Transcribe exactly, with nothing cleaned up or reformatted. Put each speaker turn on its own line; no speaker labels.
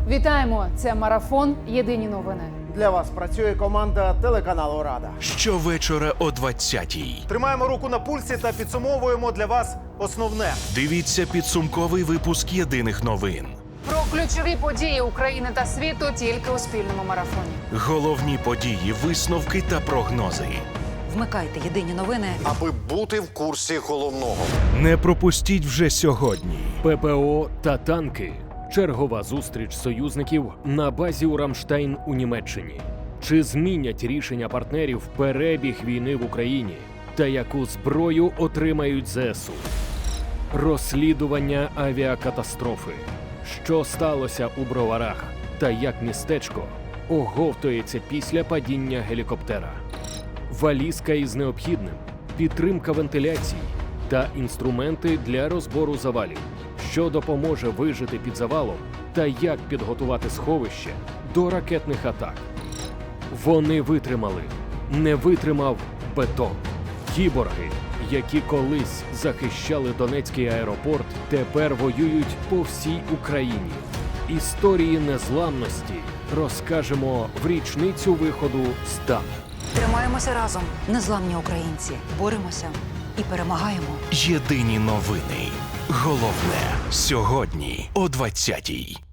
Вітаємо! Це марафон. Єдині новини.
Для вас працює команда телеканалу Рада.
Щовечора о двадцятій.
Тримаємо руку на пульсі та підсумовуємо для вас основне.
Дивіться підсумковий випуск єдиних новин.
Про ключові події України та світу тільки у спільному марафоні.
Головні події, висновки та прогнози.
Вмикайте єдині новини.
Аби бути в курсі головного.
Не пропустіть вже сьогодні.
ППО та танки. Чергова зустріч союзників на базі у Рамштайн у Німеччині. Чи змінять рішення партнерів перебіг війни в Україні? Та яку зброю отримають ЗСУ? Розслідування авіакатастрофи. Що сталося у Броварах? Та як містечко оговтується після падіння гелікоптера? Валізка із необхідним, підтримка вентиляції та інструменти для розбору завалів, що допоможе вижити під завалом та як підготувати сховище до ракетних атак. Вони витримали, не витримав бетон. Кіборги, які колись захищали Донецький аеропорт, тепер воюють по всій Україні. Історії незламності розкажемо в річницю виходу «Стан».
Тримаємося разом, незламні українці. Боремося і перемагаємо.
Єдині новини. Головне сьогодні о двадцятій.